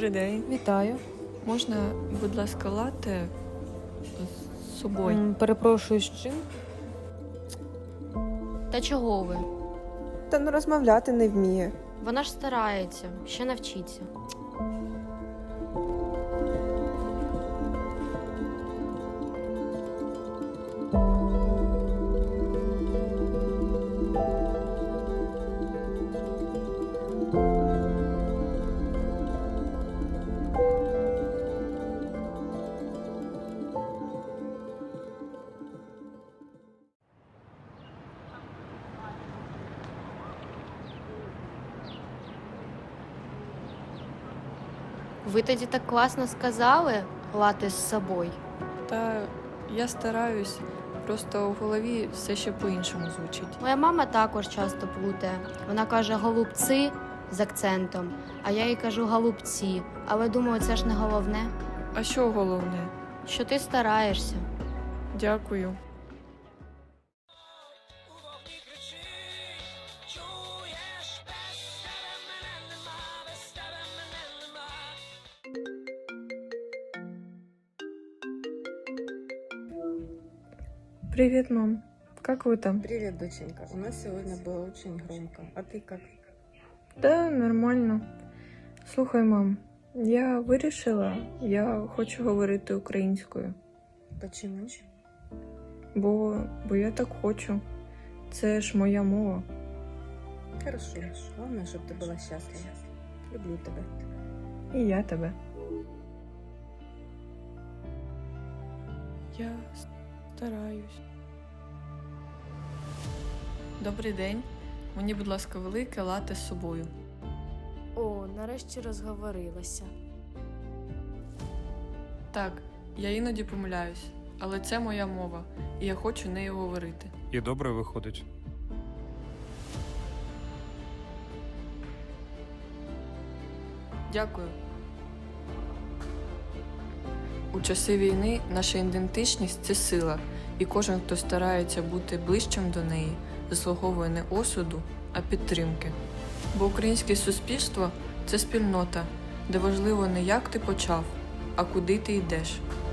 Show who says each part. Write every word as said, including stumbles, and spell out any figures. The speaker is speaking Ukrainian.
Speaker 1: Добрий день.
Speaker 2: Вітаю.
Speaker 1: Можна, будь ласка, латте з собою?
Speaker 2: М, Перепрошую, з чим?
Speaker 3: Та чого ви?
Speaker 4: Та ну розмовляти не вміє.
Speaker 3: Вона ж старається, ще навчиться. Ви тоді так класно сказали лати з собою.
Speaker 1: Та я стараюсь, просто в голові все ще по-іншому звучить.
Speaker 3: Моя мама також часто плутає. Вона каже голубці з акцентом, а я їй кажу голубці. Але думаю, це ж не головне,
Speaker 1: А що головне?
Speaker 3: що ти стараєшся.
Speaker 1: Дякую. Привет, мам. Как вы там?
Speaker 5: Привет, доченька. У нас сегодня было очень громко. А ты как?
Speaker 1: Да, нормально. Слухай, мам, я вирішила, я хочу говорити українською.
Speaker 5: Почему?
Speaker 1: Бо, бо я так хочу. Це ж моя мова.
Speaker 5: Хорошо. Главное, чтобы ты была счастлива. Люблю тебя.
Speaker 1: І я тебе. Я стараюсь. Добрий день. Мені, будь ласка, велике лате з собою.
Speaker 6: О, нарешті розговорилася.
Speaker 1: Так, я іноді помиляюсь, але це моя мова, і я хочу нею говорити.
Speaker 7: І добре виходить.
Speaker 1: Дякую. У часи війни наша ідентичність – це сила, і кожен, хто старається бути ближчим до неї, заслуговує не осуду, а підтримки. Бо українське суспільство – це спільнота, де важливо не як ти почав, а куди ти йдеш.